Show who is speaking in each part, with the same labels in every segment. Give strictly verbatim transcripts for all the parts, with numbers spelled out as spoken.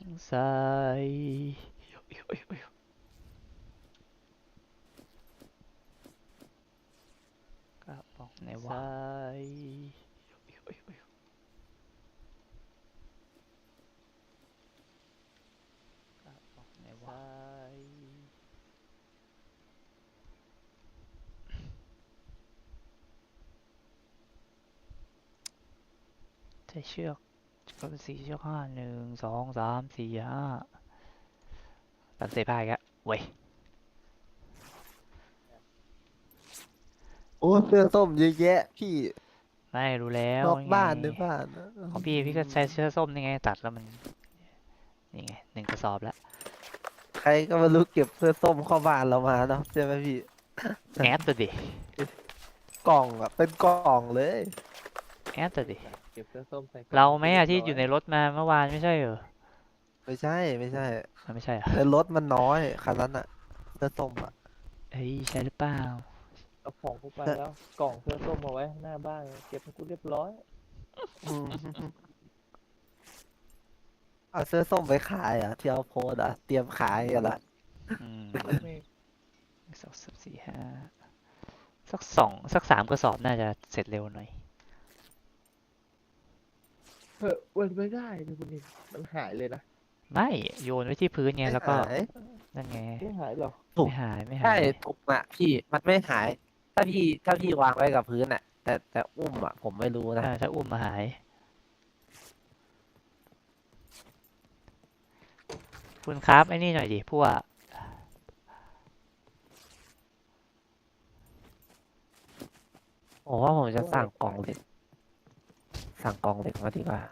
Speaker 1: ทรายกระป๋องทรายกระป๋องทรายใช้เชือกก็เป็นสี่เชือกห้าหนึ่งสองสามสี่ห้าตัดเศษผ้าอีกแล้วเว้ย
Speaker 2: โอ้เสื้อส้มเยอะแยะพี่
Speaker 1: ไม่รู้แล้ว
Speaker 2: นอก
Speaker 1: นี่ไง
Speaker 2: บ้านในบ้าน
Speaker 1: ของพี่พี่ก็ใช้เสื้อส้มนี่ไงตัดแล้วมันนี่ไงหนึ่งกระสอบแล้ว
Speaker 2: ใครก็ไม่รู้เก็บเสื้อส้มเข้าบ้านเรามาเนาะใช่ไหมพี่
Speaker 1: แอดตัวดิ
Speaker 2: กล่องอ่ะเป็นกล่องเลย
Speaker 1: แอดตัวดิ
Speaker 3: เก็บเสื้อส้มใส่กล่อง
Speaker 1: เราไหมอะ
Speaker 3: เรี
Speaker 1: ที่
Speaker 3: บร้
Speaker 1: อยู่ในรถมาเมื่อวานไม่ใช่เหรอ
Speaker 2: ไม่ใช่ไม่ใช่
Speaker 1: มันไม่ใช่เหรอ
Speaker 2: ในรถมันน้อยคันนั้นอ่ะเสื้อส้มอ่ะ
Speaker 1: เฮ้ยใช่หรือเปล่า
Speaker 3: เอาของกูไปแล้วกล่องเสื้อส้มมาไว้หน้าบ้านเก็บให้กูเรียบร้อย
Speaker 2: อืมเอาเสื้อส้มไปขายอ่ะที่เอาโพสต์อ่ะเตรียมขายกันละ
Speaker 1: อืม
Speaker 3: ไม่
Speaker 1: สองสามสี่ห้าสักสองสักสามกระสอบน่าจะเสร็จเร็วหน่อย
Speaker 3: เฮ้ยวันไม่ได้เลยคุณนี่มันหายเลยนะ
Speaker 1: ไม่โยนไว้ที่พื้นไงแล้วก็
Speaker 2: หาย
Speaker 1: นั่นไง
Speaker 3: ไม่หายหรอ
Speaker 2: ถูก
Speaker 1: ไม่หายไม่หา
Speaker 2: ใช่
Speaker 1: ย
Speaker 2: ถูกอ่ะพี่มันไม่หาย ถ้าพี่ถ้าพี่วางไว้กับพื้นอ่ะ แต่แต่อุ้มอ่ะผมไม่รู้นะ
Speaker 1: เออถ้าอุ้มมาหาย คุณครับไอ้นี่หน่อยดิพวก
Speaker 2: ผมว่าผมจะสั่งกล่องเหล็กสั่งกล่องเหล็กมาดีกว่า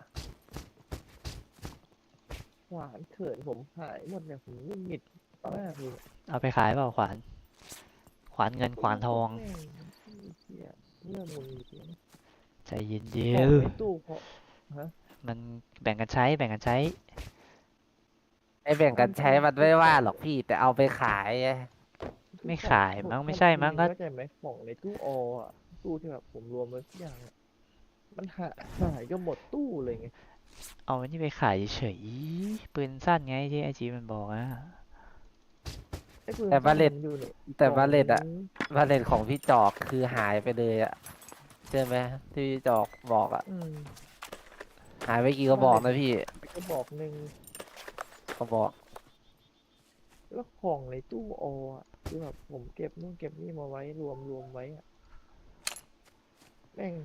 Speaker 3: หวานเขินผมหายหมดเนี่ยผมหงุดหงิดมากเลย
Speaker 1: เอาไปขายเปล่าขวาน ขวานเงินขวานทอง
Speaker 3: แม่เหี้ยเรื่องมึงจริง
Speaker 1: ใจเย็น
Speaker 3: ๆ
Speaker 1: เย็
Speaker 3: ของ
Speaker 1: น
Speaker 3: ในตู้เพราะ
Speaker 1: มันแบ่งกันใช้แบ่งกันใช้
Speaker 2: ไอ้แบ่งกันใช้มันไม่ว่าหรอกพี่ แต่เอาไปขายไง
Speaker 1: ไม่ขายมั้งไม่ใช่มั้งก็
Speaker 3: เข้าใจไหมของในตู้ออ่ะตู้ที่แบบผมรวมไว้ทุกอย่างอะมันหายหายก็หมดตู้เลยไง
Speaker 1: เอาไอ้นี่ไปขายเฉยปืนสั้นไงที่ไอจีมันบอกอะ
Speaker 3: ไอ้ปืน
Speaker 2: แต่บาเลต
Speaker 3: สั้นอยู่เนี่ยก
Speaker 2: แต่
Speaker 3: กล่ง
Speaker 2: บาเลตอะ
Speaker 3: นึง
Speaker 2: บาเลนของพี่จอกคือหายไปเลยอะใช่ไหมที่พี่จอกบอกอะ
Speaker 3: อืม
Speaker 2: หายไปกี่กระบอกนะพี่
Speaker 3: ก็บอกหนึ่ง
Speaker 2: กระบอก
Speaker 3: แล้วของในตู้ออ่ะคือแบบผมเก็บนู่นเก็บนี่มาไว้รวมรวมไว้อะแม่ง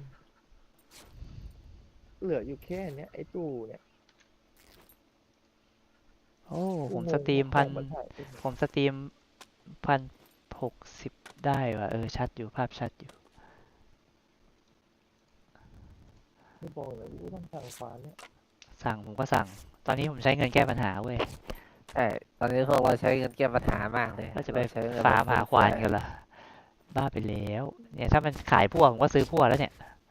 Speaker 3: เหลืออยู่แค่เนี้ยไอ้ตู้เนี่ย
Speaker 1: โอ้ผม
Speaker 3: กูงง
Speaker 1: สตรีม
Speaker 3: ว่า
Speaker 1: พัน
Speaker 3: ของมันหายไปไหน
Speaker 1: ผมสตรีมพันหกสิบได้ว่ะเออชัดอยู่ภาพชัดอยู่
Speaker 3: ไม่บอกเลยกูต้องสั่งฝาเนี่ย
Speaker 1: สั่งผมก็สั่ง ตอนนี้ผมใช้เงินแก้ปัญหาเว้ย
Speaker 2: ใช่ ตอนนี้พวกเราใช้เงินแก้ปัญหามากเลย
Speaker 1: ก็จะไป
Speaker 2: เรใช้เงิน
Speaker 1: ฟาร์มหาควาน
Speaker 2: ฟุ่มเฟือย
Speaker 1: กันละบ้าไปแล้ว เนี่ยถ้ามันขายพวกผมก็ซื้อพวกแล้วเนี่ย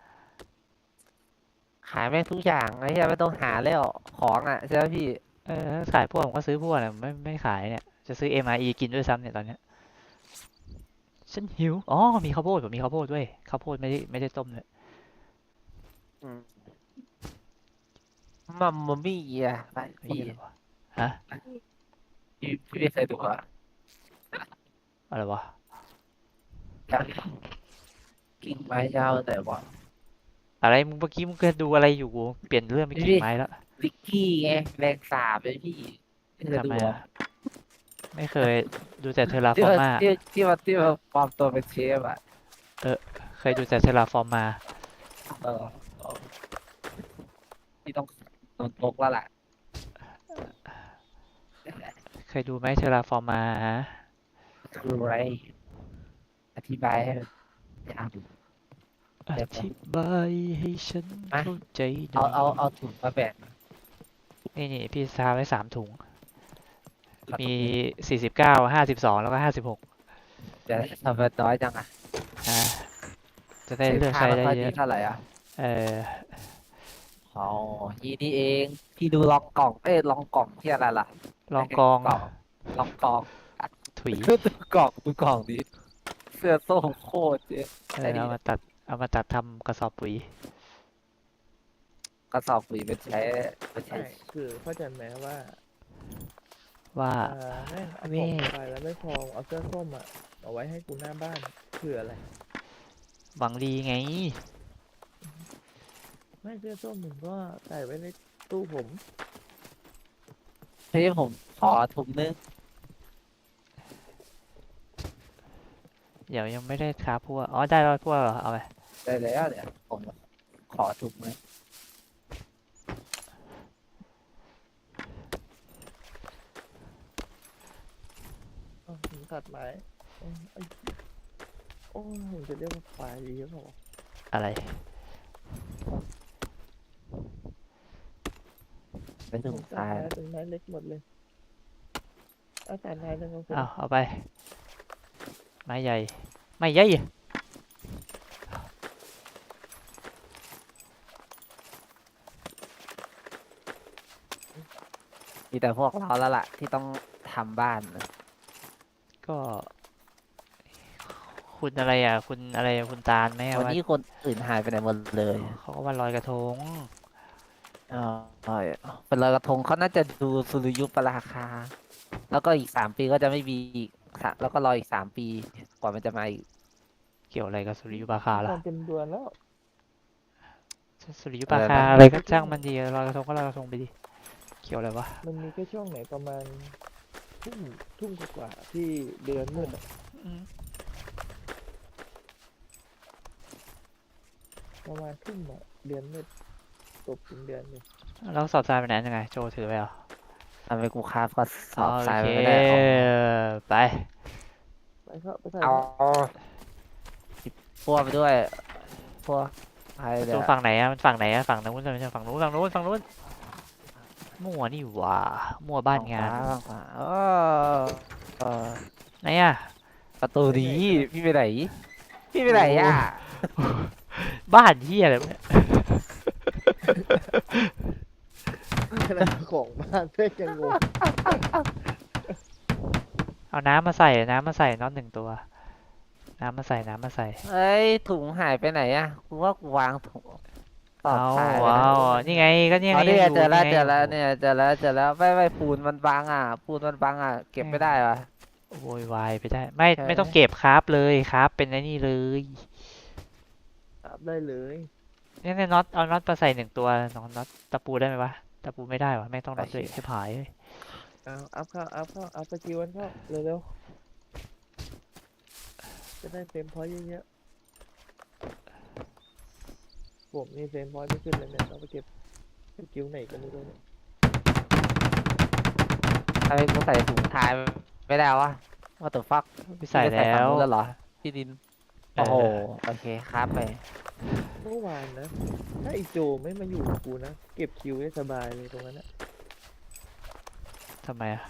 Speaker 2: ขายแม่งทุกอย่างไอ้เหี้ยไม่ต้องหาแล้วของอะใช่ไหมพี่
Speaker 1: เออถ้าขายพวกผมก็ซื้อพวกเนี่ยไม่ไม่ขายเนี่ยจะซื้อ เอ็ม อาร์ อี กินด้วยซ้ำเนี่ยตอนเนี้ยฉันหิวอ๋อมีข้าวโพดผมมีข้าวโพดด้วยข้าวโพดไม่ได้ไม่ได้ต้มเลย
Speaker 2: อืมมัมมัมมี่อะไป
Speaker 1: ไม่
Speaker 2: พี่
Speaker 1: ใช่หรอวะฮะ
Speaker 2: พี่พี่ไม่เคยดูอะ
Speaker 1: อะไรวะ
Speaker 2: กิ่งไม้ยาวแต่ว่า
Speaker 1: อะไรมึงเมื่อกี้มึงเคยดูอะไรอยู่กูเปลี่ยนเรื่องไปกิ่งไม้แล้ว
Speaker 2: ลิกกี้ไงแรงสาบเลยพี่ไม่เคย
Speaker 1: ทำ
Speaker 2: ดู
Speaker 1: ไม
Speaker 2: เหรอ
Speaker 1: อ่ะไม่เคยดูแต่เทอรา
Speaker 2: ที่
Speaker 1: ฟอร์
Speaker 2: ว่า
Speaker 1: มา
Speaker 2: ที่ที่ว่าที่ว่าปลอมตัวเป็นเชฟอะ
Speaker 1: เคยดูแต่เทอราฟอร์มา
Speaker 2: เออเออพี่ต้องโดนตกแล้วล่ะ
Speaker 1: เคยดูไหมเทอราฟอร์มาฮะ
Speaker 2: คืออะไรอธิบายให้ยาวอยู่
Speaker 1: อธิบายให้ฉัน
Speaker 2: มา
Speaker 1: เข้าใจหน่
Speaker 2: เอา
Speaker 1: อย
Speaker 2: เอาเอาถุงมาแบ่ง
Speaker 1: นี่นี่พี่ซาไว้สามถุง มีสี่สิบเก้าห้าสิบสองแล้วก็ห้าสิบหก
Speaker 2: จะทำเป็นน้อยจังอ่ะ
Speaker 1: อ่าจะได้เลือกใช้ได้
Speaker 2: ค่า
Speaker 1: เย
Speaker 2: ค่า
Speaker 1: อะ
Speaker 2: เท่าไหร่อ่ะ
Speaker 1: เออ
Speaker 2: อ๋อยี่นี่เองพี่ดูลองกล่องเอ้ยลองกล่องที่อะไรล่ะ
Speaker 1: ลองกอง
Speaker 2: กล่องลองกล่อง
Speaker 1: ถุย
Speaker 2: ดูกล่องดูกล่องดิเสื้อส้มโคตรเจ๊
Speaker 1: เออเอามาตัดเอามาตัดทำกระสอบปุ๋ย
Speaker 2: กระสอบปุ๋ยเป็นใช้เป็นใช้
Speaker 3: ใช่คือเข้าใจไหมว่า
Speaker 1: ว่า
Speaker 3: อ่าแม่งเอา
Speaker 1: เว้
Speaker 3: ของ
Speaker 1: ย
Speaker 3: ไปแล้วไม่พอเอาเสื้อส้มอ่ะเอาไว้ให้กูหน้าบ้านเผื่ออะไร
Speaker 1: หวังดีไง
Speaker 3: ไม่เสื้อส้มมึงก็ใส่ไว้ในตู้ผม
Speaker 2: พี่ผมขอถุงนึง
Speaker 1: เดี๋ยวยังไม่ได้คราฟพวกอ๋อได้แล้วพวกเหรอเอาไป
Speaker 2: ได้แล้วเดี๋ยวผมขอถุงนึง
Speaker 3: เอาถึงตัดไม้โอ้ยไอ้โอ้ยผมจะเรียกว่าควายดีหรือเปล่าวะ
Speaker 1: อะไร
Speaker 2: เป็นถุ
Speaker 3: ผ
Speaker 2: ง
Speaker 3: ม
Speaker 2: ท
Speaker 3: ตัด
Speaker 2: ราย
Speaker 3: ไม้เป็นไม้เล็กหมดเลยเอาตัดไม้หนึ่งเอาคน
Speaker 1: เอาเอาไป ไม้ใหญ่ ไม่ใหญ่
Speaker 2: มีแต่พวกเราแล้วล่ะ ที่ต้องทำบ้านนะ
Speaker 1: ก็ คุณอะไรอ่ะ คุณอะไรอะคุณตาลไหมอะ
Speaker 2: วัน
Speaker 1: ว่า
Speaker 2: นี้คนอื่นหายไปไหนหมดเลย
Speaker 1: เขาก็วันลอยกระทง
Speaker 2: เออใช่เป็นลอยกระทงเขาน่าจะดูสุริยุปราคา แล้วก็อีกสามปีก็จะไม่มีอีกสะแล้วก็รออีกสามปีกว่ามันจะมาอีก
Speaker 1: เกี่ยวอะไรกับสุริยุปราคา
Speaker 3: ต
Speaker 1: ล่ะ
Speaker 3: อนเต็มเดือนแล้ว
Speaker 1: สุริยุปรา
Speaker 2: อะไร
Speaker 1: คา
Speaker 2: นะ
Speaker 1: อะไรก็ช่างมันดีลอยกระทงก็ลอยกระทงไปดิ เกี่ยวอะไรวะ
Speaker 3: มันมีแค่ช่วงไหนประมาณทุ่มทุ่มกว่าๆที่เดือนมืดอะ
Speaker 1: อืม
Speaker 3: ประมาณทุ่มอะเดือนมืดตกถึงเดือนเลย
Speaker 1: แล้วสอบทรายไปไหนยังไง โจถือไปเหรอ
Speaker 2: ทำไมกูคาบก็สอบ
Speaker 1: โอ
Speaker 2: ทราย
Speaker 1: เค
Speaker 2: ไม่ได้เอา
Speaker 1: ไป
Speaker 3: ไปเข้าไปใส่
Speaker 2: เอา
Speaker 3: เข้า
Speaker 2: พวกไปด้วยพวกใคร
Speaker 1: ประ
Speaker 2: เดี๋
Speaker 1: ตู
Speaker 2: ยว
Speaker 1: ฝั่งไหนอะมันฝั่งไหนอะฝั่งนู้นไม่ใช่ฝั่งนู้นฝั่งนู้นฝั่งนู้นมั่วนี่หว่ามั่วบ้านงาน
Speaker 2: ฝั่ขวาเออเออ
Speaker 1: ไหนอะ
Speaker 2: ประตูนี้พี่ไปไหน พี่ไปไหนอ่ะ
Speaker 1: บ้านเฮียอะไรวะเนี่ย
Speaker 3: ขนาดของบ้านเพื่อนยังงง
Speaker 1: เอาน้ำมาใส่น้ำมาใส่น็อตหนึ่งตัว น้ำมาใส่น้ำมาใส่
Speaker 2: เอ้ยถุงหายไปไหนอ่ะกูว่ากูวางถุงตอด
Speaker 1: เอา
Speaker 2: สายไว้
Speaker 1: เอา
Speaker 2: นะ
Speaker 1: นี่ไงก็นี่ไง
Speaker 2: อ๋อนี่ไง
Speaker 1: ยู่
Speaker 2: เจอแล้ว
Speaker 1: ไง
Speaker 2: เจอแล้ว
Speaker 1: โโห
Speaker 2: เนี่ยเจอแล้วเจอแล้วไม่ไม่ปูนมันบังอ่ะปูนมันบังอ่ะเก็บไม่ได้วะ
Speaker 1: โวยวายไปได้ ไม่
Speaker 2: ใช่
Speaker 1: ไม่ต้องเก็บครับเลยครับ เป็นไอ้นี่เลย
Speaker 3: ครับได้เลย
Speaker 1: เนี่ยเนี่ยน็อตเอาน็อตมาใส่หนึ่งตัวน้องน็อตตะปูได้ไหมวะตะปูไม่ได้วะไม่ต้องน็อตเลยให้ผายเลย
Speaker 3: เอาอัพเข้าอัพเข้าอัพสกิลกันเข้าเร็วๆจะได้เฟรมพอยต์เยอะๆผมนี่เฟรมพอยต์ไม่ขึ้นเลยเนี่ยต้องไปเก็บสกิลไหนกันไม่รู้เนี่ย
Speaker 2: ทำไมกูใส่ถุงท้ายไม่ได้วะว่าตัวฟัก
Speaker 1: ไปใส่แล้ว
Speaker 2: แล้วเหรอที่ดิน
Speaker 1: เอ
Speaker 2: โอ้
Speaker 1: อ
Speaker 2: โหโอเคครับไป
Speaker 3: เมื่อวานนะ ถ้าไอโจไม่มาอยู่กับกูนะ เก็บคิวได้สบายเลยตรงนั้นนะ
Speaker 1: ทำไมอะ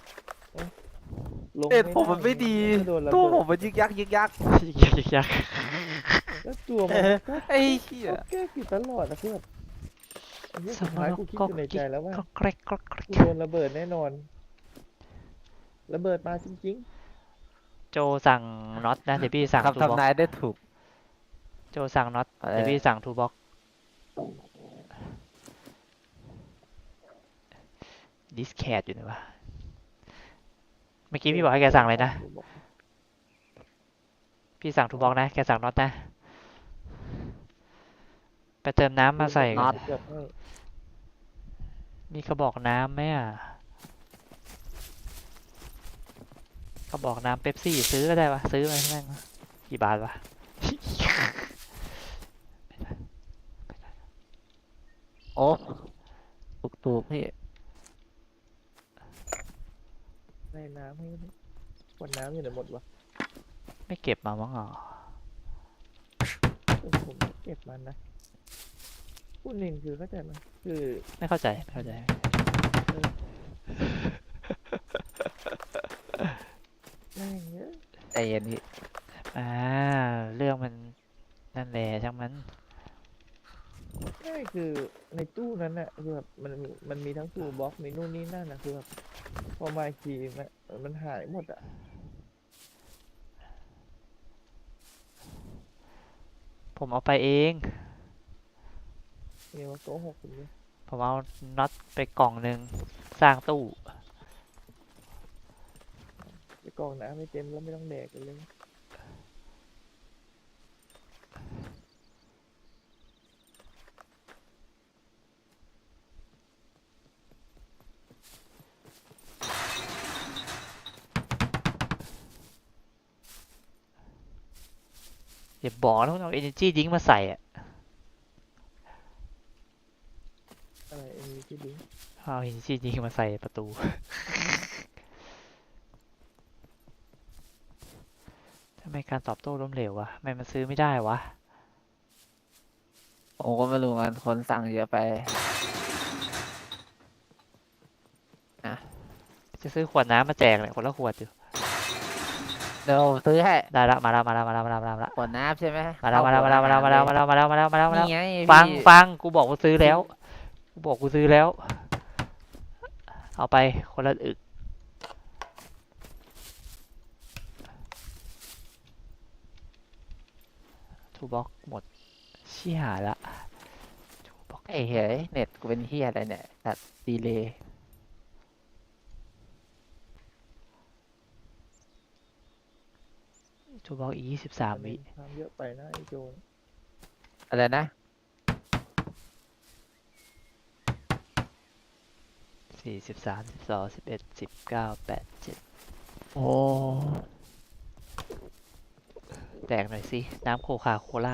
Speaker 3: ลง
Speaker 2: เอ็ด
Speaker 3: ไม่
Speaker 2: ผมมันไม่ดี
Speaker 3: แล้วก็โดนระ
Speaker 2: ตัว
Speaker 3: เบิ
Speaker 2: ผม
Speaker 3: ด
Speaker 2: มันยึกยักยึกยัก
Speaker 1: ยักยักยัก
Speaker 3: แล้วตัวมันก็
Speaker 2: ไอ้เหี้ย
Speaker 3: ก็แก้ผิดตลอดนะเพื่อนไอ้เหี้ย
Speaker 1: ส
Speaker 3: สุด
Speaker 1: ม
Speaker 3: ท้าย
Speaker 1: ร
Speaker 3: กูคิด
Speaker 1: ก็
Speaker 3: อยู่ในใจแล้วว่า
Speaker 1: ก็แกรกก็แกรก
Speaker 3: กูโดนระเบิดแน่นอน ระเบิดมาจริง
Speaker 1: โจสั่งน็อตนะเดี๋ยวพี่สั่งทู
Speaker 2: คำ
Speaker 1: บ็อก
Speaker 2: ทำนายได้ถูก
Speaker 1: โจสั่งน็อต
Speaker 2: อะไร
Speaker 1: เดี๋ยวพี่สั่งทูบ็อกดิสแคดอยู่นะวะเมื่อ
Speaker 3: ๆ
Speaker 1: กี้พี่บอกให้แกสั่งเลยนะ
Speaker 3: กูบอก
Speaker 1: พี่สั่งทูบ็อกนะแกสั่งน็อตนะไปเติมน้ำมาใส่ก่อน
Speaker 3: เกือบให้
Speaker 1: มีกระบอกน้ำไหมอ่ะกระบอกน้ำเป๊ปซี่ซื้อก็ได้ปะซื้อมาแม่งวะกี่บาทวะ
Speaker 2: โอ้ถูกถูกพี่
Speaker 3: ได้น้ำให้ขวดน้ำอยู่ไหนหมดวะ
Speaker 1: ไม่เก็บมามั้งอ๋อ
Speaker 3: เออผมเก็บมันนะพูดหนึ่งคือเข้าใจไหมคือ
Speaker 1: ไม่เข้าใจไม่เข้าใจ
Speaker 3: แม่งเยอะ
Speaker 2: ใจเย็นพี่
Speaker 1: อ่าเรื่องมันนั่นแหละช่างมัน
Speaker 3: ง่ายคือในตู้นั้นน่ะคือแบบมันมีมันมีทั้งตู้บล็อกมีนู่นนี่นั่นนะคือแบบพอมาอีกทีมันมันหายหมดอ่ะ
Speaker 1: ผมเอาไปเอง
Speaker 3: เนี่ยว่าโกหกผมเนี่ย
Speaker 1: ผมเอาน็อตไปกล่องหนึ่งสร้างตู้
Speaker 3: จะกรอกน้ำไม่เต็มแล้วไม่ต้องแดกกันเลย
Speaker 1: อย่าบอกนะว่าเอา energy drink มาใส่อะ
Speaker 3: อะไรเอ็มีที่ลิงก์
Speaker 1: เอา energy drink มาใส่ประตู ทำไมการตอบโต้ล้มเหลววะทำไมมันซื้อไม่ได้วะ
Speaker 2: ผมก็ไม่รู้กันคนสั่งเยอะไป
Speaker 1: จะซื้อขวดน้ำมาแจกเลยคนละขวดอยู่
Speaker 2: เดี๋ยวผมซื้อให้
Speaker 1: ได้ละมาแล้วมาแล้วมาแล้วมาแล้วมาแล้วมาแล้ว
Speaker 2: ขวดน้ำใช่ไหม
Speaker 1: มาแล้วมาแล้วมาแล้วมาแล้วมาแล้วมาแล้วมาแล้วมาแล้วมาแล้วมาแล้ว
Speaker 2: นี่ไง
Speaker 1: ฟัง
Speaker 2: พี่
Speaker 1: ฟังกูบอกกูซื้อแล้วกูบอกกูซื้อแล้ว เอาไปคนละอึกทูบ็อกหมดเชี่ยหายละทูบ็อก
Speaker 2: ไอ้เฮ้ยเน็ตกูเป็นเฮียอะไรเนี่ยตัดดีเลย์
Speaker 1: ทูบ็อกอีกยี่สิบสามวิ
Speaker 3: ทำเยอะไปนะไอโจน
Speaker 2: อะไรนะ
Speaker 1: สี่สิบสามสิบสองสิบเอ็ดสิบเก้าแปดเจ็ด
Speaker 2: โอ้
Speaker 1: แตกหน่อยสิ น้ำโคคาโคล่า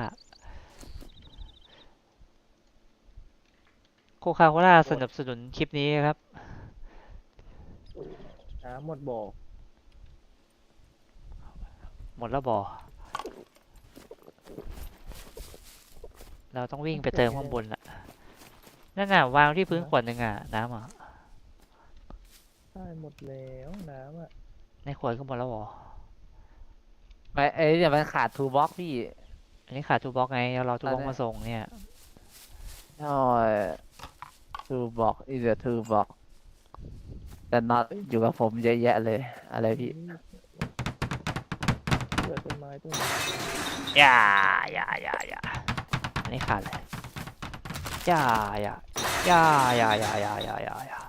Speaker 1: โคคาโคล่าสนับสนุนคลิปนี้ครับ
Speaker 3: น้ำหมดบ่อ
Speaker 1: หมดแล้วบ่อเราต้องวิ่งไปเติมข้างบนละนั่นน่ะวางที่พื้นขวดหนึ่งอ่ะ น้ำอ่ะ
Speaker 3: ใช่หมดแล้วน้ำอ่ะ
Speaker 1: ในขวดก็หมดแล้วบ่อ
Speaker 2: ไม่ไอ้เนี่ยมันขาดทูบ็อกพี่
Speaker 1: อันนี้ขาดทูบ็อกไงเรารอทูบ็อก
Speaker 2: อันนี้
Speaker 1: มาส่งเนี่ย
Speaker 2: ใช่ทูบ็อกอีเดอทูบ็อกแต่น็อตอยู่กับผมเยอะแยะเลย อะไรพี่
Speaker 3: เกิดต้นไม้ต้นไม้
Speaker 1: อย่าอย่าอย่าอย่าอันนี้ขาดเลยอย่าอย่าอย่าอย่าอย่าอย่าอย่าอย่าอย่า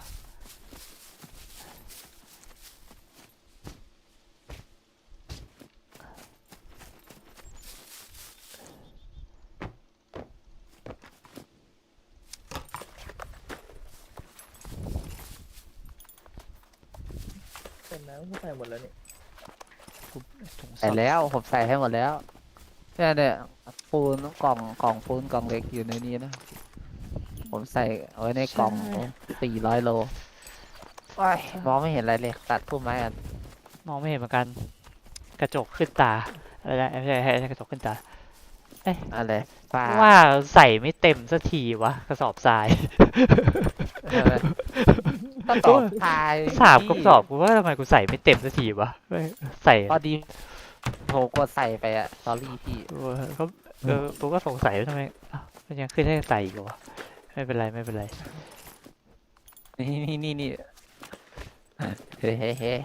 Speaker 3: ต้นน้ำก็ใส่หมดแล้วนี่
Speaker 1: ถุง
Speaker 2: ใส่
Speaker 1: สด
Speaker 2: แล้วผมใส่ให้หมดแล้วเนี่ยเนี่ยปูนกล่องกล่องปูนกล่องเล็กอยู่ในนี้นะ ผมใส่เอาไว้ในกล่องสี่ร้อยโลโอ้ยมองไม่เห็นอะไรเลยตัดพุ่มไม้อัน
Speaker 1: มองไม่เห็นเหมือนกัน กระจกขึ้นตาอะไรนะไม่ใช่ไม่ใช่กระจกขึ้นตา
Speaker 2: อะไรฟ้า
Speaker 1: ว่าใส่ไม่เต็มสักทีวะกระสอบทราย
Speaker 2: เออก็ตอบทาย
Speaker 1: สามกระสอบกูว่าทำไมกูใส่ไม่เต็มสักทีวะไม่ใส่
Speaker 2: พอดีโหกดใส่ไปอะสอรี่พี่
Speaker 1: เออก็เออกูก็สงสัยว่าทำไมอ้าวมันยังขึ้นให้ใส่อีกเหรอวะไม่เป็นไรไม่เป็นไร
Speaker 2: นี่นี่นี่นี่เฮ้เฮ้เฮ้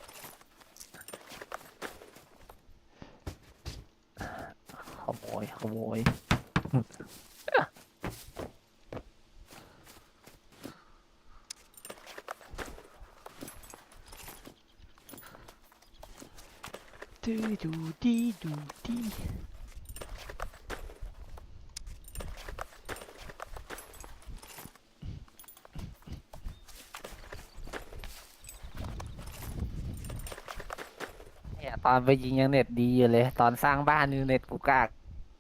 Speaker 2: ขโมยขโมย
Speaker 1: ดูดูดีดูดี
Speaker 2: เนี่ยตอนไปยิงยังเน็ตดีอยู่เลย ตอนสร้างบ้านนี่เน็ตกูกาก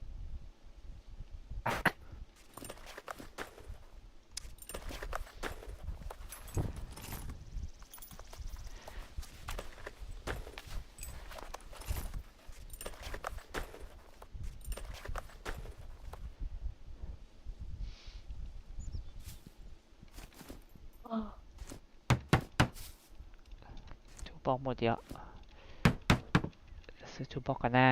Speaker 1: ทูบ็อกหมดเยอะซื้อทูบ็อกกันหน้า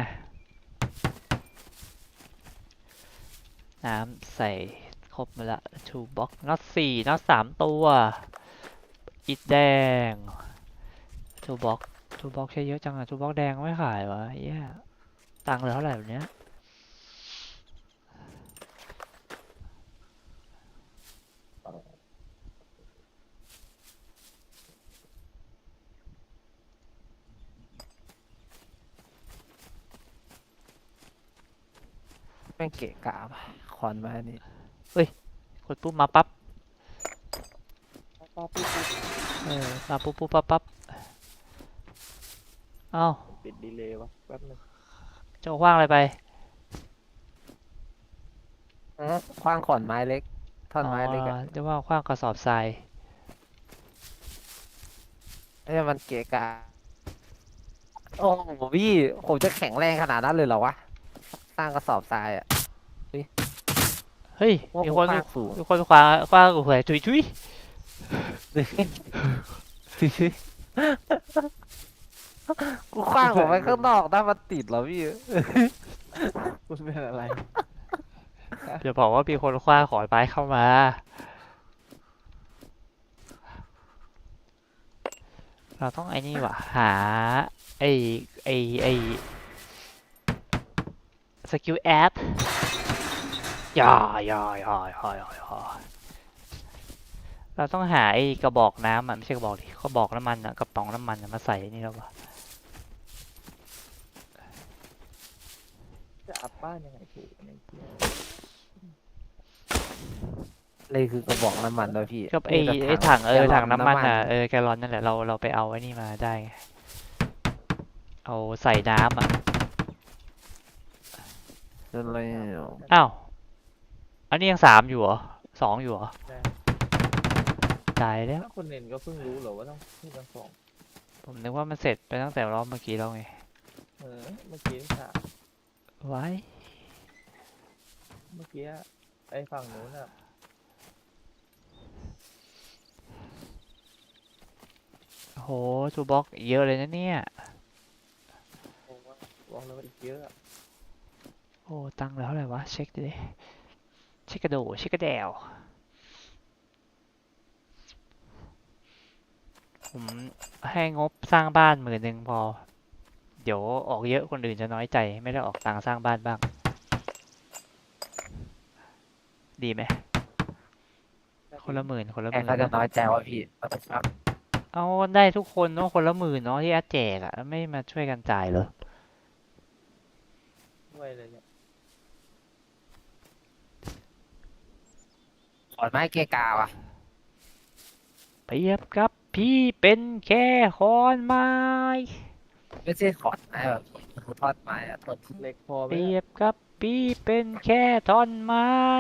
Speaker 1: น้ำใส่ครบมาละทูบ็อกน็อตสี่น็อตสามตัวอิฐแดงทูบ็อกทูบ็อกใช้เยอะจังอะทูบ็อกแดงไม่ขายวะเหี้ยตังค์เหลือเท่าไหร่แบบเนี้ย
Speaker 2: ม่งเกะกะว่ะขอนไม้นี่
Speaker 1: กดปุ๊บมาปั๊บ
Speaker 3: ปั๊บปั๊บปุ๊บปุ๊บ
Speaker 1: เออมาปุ๊บปุ๊บปั๊บปั๊บเอ้า
Speaker 3: ติดดีเลย์วะแป๊บนึง
Speaker 1: เจ้าคว้างอะไรไป
Speaker 2: อื้อขว้างขอนไม้เล็ก ท่อนไม้เล็ก
Speaker 1: อ๋
Speaker 2: อะ
Speaker 1: อเรียกว่าคว้างกระสอบทราย
Speaker 2: เอ้ยมันเกะกะโอ้โหพี่ผมจะแข็งแรงขนาดนั้นเลยเหรอวะสร้างกระสอบทรายอะ
Speaker 1: เฮ้ย
Speaker 2: ว่า
Speaker 1: มี
Speaker 2: ผม
Speaker 1: คน
Speaker 2: ขว้างสูง
Speaker 1: มีคนคว้างคว้างหัวชุยชุย
Speaker 2: กูขว้างออกไปข้างนอกถ้ามันติดเหรอพี่
Speaker 3: คุณเป็นอะไร
Speaker 1: จะบอกว่ามีคนคว้างขอนไม้เข้ามา เราต้องไอ้นี่ว่ะ หา ไอ้ไอ้ไอ้สกิลแอดอย่าอย่าอย่าอย่าอย่าอย่าเราต้องหาไอ้กระบอกน้ำอ่ะไม่ใช่กระบอกดิกระบอกน้ำมันอ่ะกระป๋องน้ำมันอะมาใส่นี่แล้ววะ
Speaker 3: จะอัพบ้านยังไงถูกในเที่ย
Speaker 2: เลยคือกระบอกน้ำมันด้วยพี่
Speaker 1: ก็ไอ้
Speaker 2: นี่
Speaker 1: ไอ้ถังเออ
Speaker 2: แกลล
Speaker 1: ถังน้ำมันอ่ะเออแกลลอนนั่นแหละเราเราไปเอาไอ้นี่มาได้ไงเอาใส่น้ำอ่ะ
Speaker 2: อะไร
Speaker 1: อ้าวอันนี้ยังสามอยู่เหรอสองอยู่เหรอ
Speaker 3: ได้
Speaker 1: ตายแล้ว
Speaker 3: ถ้าคนเน้นก็เพิ่งรู้เหรอว่าต้องพูดทั้งสอง
Speaker 1: ผมนึกว่ามันเสร็จไปตั้งแต่รอบเมื่อกี้แล้วไง
Speaker 3: เออเมื่อกี้ค่ะ
Speaker 1: ไว้
Speaker 3: เมื่อกี้ไอ้ฝั่งนู้นอ่ะ
Speaker 1: โหทูบ็อกเยอะเลยนะเนี่ย
Speaker 3: ผมว่าบอกเลยว่าอีกเยอะอะ
Speaker 1: โอ้ตังค์แล้วเท่าไหร่วะเช็คดิเช็คกระโดดเช็คกระเดวผมให้งบสร้างบ้านหมื่นหนึ่งพอ เดี๋ยวออกเยอะคนอื่นจะน้อยใจไม่ได้ออกตังค์สร้างบ้านบ้าง ดีไหมคนละหมื่นคนละห
Speaker 2: แก
Speaker 1: มื่น
Speaker 2: เขาจะน้อยใจว่าพี่ครับ
Speaker 1: เอาได้ทุกคนเนาะคนละหมื่นเนาะที่แอดแจกอะไม่มาช่วยกันจ่ายเหรอ
Speaker 3: ด้วยเลยเนี่ย
Speaker 2: ขอนไม้เกะกะว่ะ
Speaker 1: เปรียบกับพี่เป็นแค่ขอนไม้
Speaker 2: ไม่ใช่ขอนไม้แบบพี่มันคือท่อนไม้อะต้น
Speaker 3: เหล็กพอไหม
Speaker 1: เปรี
Speaker 3: เนี่ย
Speaker 1: ยบกับพี่เป็นแค่ท่อนไม้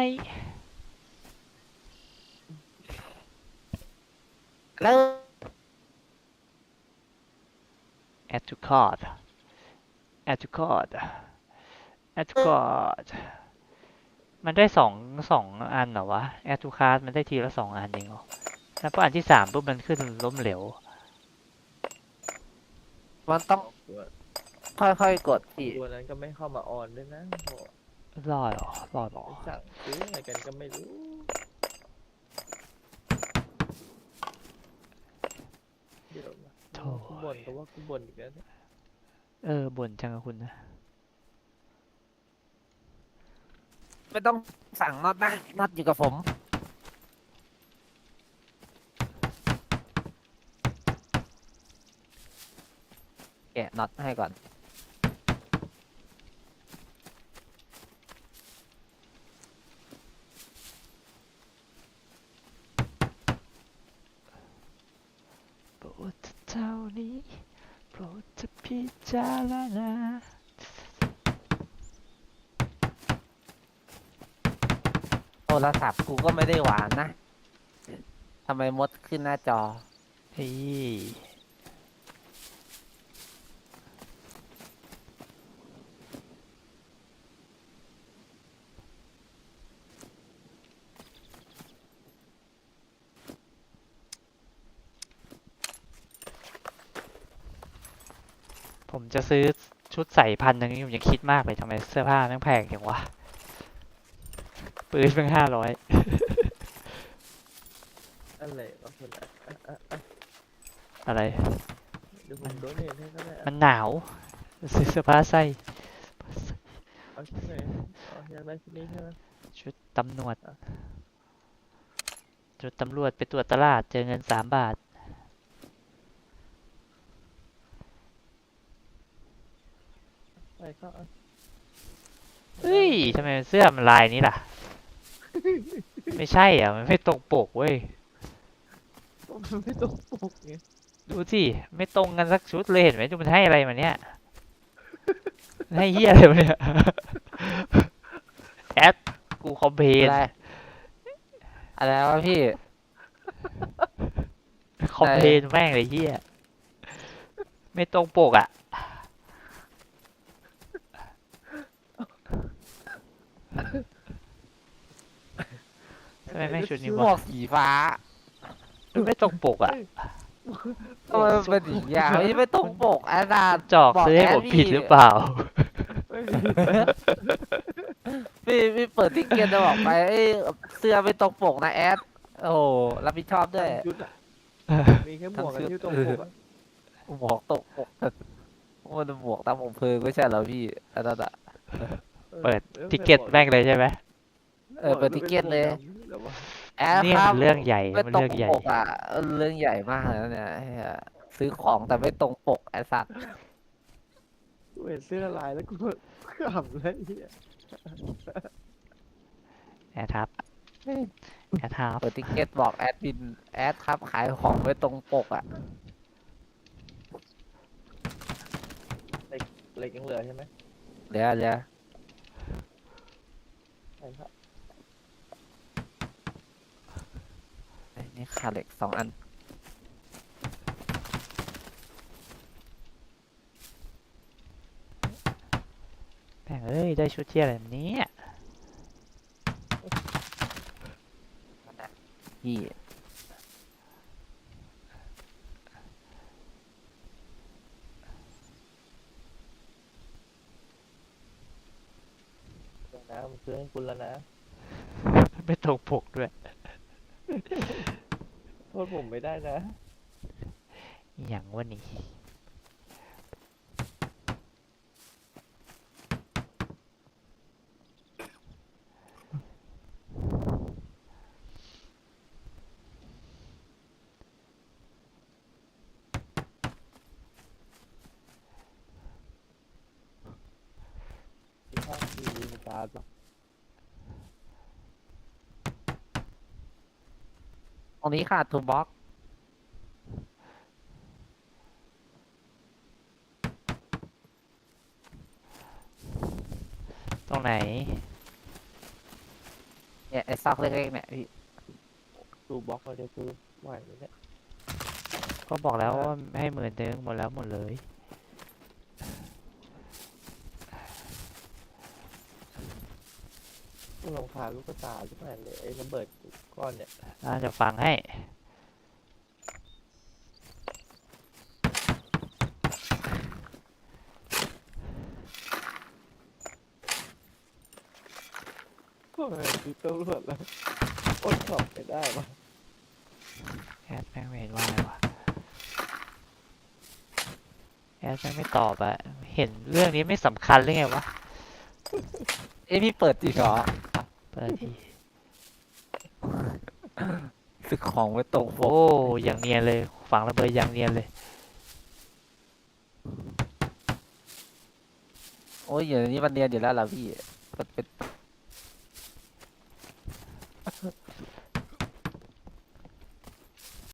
Speaker 2: แล้ว
Speaker 1: add to cart add to cart add to cart มันได้สองสองอันเหรอวะ add to cart มันได้ทีละสองอันเองเหรอแล้วพออันที่สามปุ๊บมันขึ้นล้มเหลว
Speaker 2: มันต้อง
Speaker 3: ตัว
Speaker 2: ค่อยๆกดพี่
Speaker 3: ตัวนั้นก็ไม่เข้ามาออนด้วยนะโห
Speaker 1: รอดเหรอรอดเหรอ
Speaker 3: ไปสั่งซื้ออะไรกันก็ไม่รู้เดี๋ยวนะ
Speaker 1: โถ่
Speaker 3: กูบ่นก็ว่ากูบ่นอีกแล้วเนี่ย
Speaker 1: เออบ่นจังอะคุณนะ
Speaker 2: ไม่ต้องสั่งน็อตนะน็อตอยู่กับผม แกะน็อตให้ก่อน
Speaker 1: โปรดเท่านี้โปรดจะพิจารณา
Speaker 2: โทรศัพท์กูก็ไม่ได้หวานนะ ทำไมมดขึ้นหน้าจอ
Speaker 1: เฮ้ยผมจะซื้อชุดใส่พันหนึ่งนี่ผมยังคิดมากเลยทำไมเสื้อผ้าแม่งแพงอย่างวะปืนเพิ่งห้าร้อย
Speaker 3: อะไรวะคนอ่ะอ่ะอ่ะอ่ะ
Speaker 1: อะไร
Speaker 3: เดี๋ยวผมโดนเห็นให้ก็ได้
Speaker 1: มั
Speaker 3: อ่ะ
Speaker 1: นหนาวซื้อเสื้อผ้าใส่
Speaker 3: เอาชุดไหนเอาอยากได้ชุดนี้ใช่ไหม
Speaker 1: ชุดตำรวจชุดตำรวจไปตรวจตลาดเจอเงินสามบาท
Speaker 3: ไปก็เอา
Speaker 1: เฮ้ยทำไมเสื้อมันลายนี้ล่ะ ไม่ใช่อ่ะ มันไม่ตรงปกเว้ย
Speaker 3: มันไม่ตรงปกไง
Speaker 1: ดูสิไม่ตรงกันสักชุดเลยเห็นไหมดูมันให้อะไรมาเนี่ยมันให้เฮียอะไรมาเนี่ย แอดกูคอมเพลน
Speaker 2: อะไรอะไรวะพี่
Speaker 1: คอมเพลนแม่งเลยเฮียไม่ตรงปกอ่ะทำไมแม่งชุดนี้
Speaker 2: หม
Speaker 1: วะ
Speaker 2: วกสีฟ้า
Speaker 1: มันไม่ตรงปกอ่ะ
Speaker 2: ทำไมมันเป็นอย่างเงี้ยไม่ไม่ตรงปกอาจารย์
Speaker 1: จอก
Speaker 2: บ
Speaker 1: ซื้อให้
Speaker 2: แด
Speaker 1: ผมผิดหรือเปล่า
Speaker 3: ไม่มี
Speaker 2: พี่พี่เปิดทิกเก็ตจะบอกไปเอ้ยเสื้อไม่ตรงปกนะแอดโอ้โหรับผิดชอบด้วย
Speaker 3: ชุดอะมีแค่หมวกกับที่ตรงปกอะ
Speaker 2: หมวกตรงปกมันหมวกตามผมเพลิงไม่ใช่เหรอพี่อันนั้นอะ
Speaker 1: เปิดทิกเก็ตแม่งเลยใช่ไหม
Speaker 2: เออเปิดทิกเก็ตเลย แอด
Speaker 1: เนี่ย
Speaker 2: ครั
Speaker 1: มั
Speaker 2: บ
Speaker 1: นเรื่องใหญ่
Speaker 2: ไม่
Speaker 1: มัน
Speaker 2: ตรง
Speaker 1: เรื่องใหญ่
Speaker 2: ปกอ่ะเออเรื่องใหญ่มากเลยนะเนี่ยไอ้เหี้ยซื้อของแต่ไม่ตรงปกไอ้สัตว์
Speaker 3: กูเห็นเสื้อลายแล้วกูก็ขำเลยไอ้เหี้ย
Speaker 1: แอดทับแอดทับ
Speaker 2: เปิดทิกเก็ตบอกแอดมินแอดครับขายของไม่ตรงปกอ่ะ
Speaker 3: เหล็กยังเหลือใช่ไหม
Speaker 2: เดี๋ยวเดี๋ยว
Speaker 3: ใช่ครับ
Speaker 2: ไอ้นี่ขาดเหล็กสองอัน
Speaker 1: แม่งเอ้ยได้ชุดเที่ยอะไรแบบนี้
Speaker 2: พี่
Speaker 3: เดี๋ยวนะผมซื้อให้คุณแล้วนะ
Speaker 1: ไม่ตรงปกด้วย
Speaker 3: โทษผมไม่ได้นะ
Speaker 1: อหย่างวะนี่
Speaker 3: มีข้างทีวีมีตาร์ดหรอ
Speaker 2: ตรงนี้ขาดทูบ็อก
Speaker 1: ตรงไหน
Speaker 2: เนี่ยไอ้ซอกเล็กๆเนี่ยพี่
Speaker 3: ดูบล็อกเราจะซื้อไหวไหมเนี่ย
Speaker 1: ก็บอกแล้วว่าให้หมื่นนึงหมดแล้วหมดเลย
Speaker 3: กูรำคาญลูกตาทุกแผ่นเลยไอ้ระเบิดก้อนเนี่ย
Speaker 1: น่าจะฟังให้
Speaker 3: ก็เลยซื้อตำรวจแล้วอดขับไม่ได้ปะ
Speaker 1: แอดแม่งไม่เห็นว่าอะไรวะแอดแม่งไม่ตอบอะเห็นเรื่องนี้ไม่สำคัญหรือไงวะ
Speaker 2: เอ้ยพี่เปิดจริงเหรอ
Speaker 1: เปิดที
Speaker 2: ซื้อของไม่ตรงป
Speaker 1: โอ้
Speaker 2: ก
Speaker 1: อย่างเนียนเลยฝังระเบิดอย่างเนียนเลย
Speaker 2: โอ้ยอย่างนี้มันเนียนอยู่แล้วล่ะพี่มันเป็น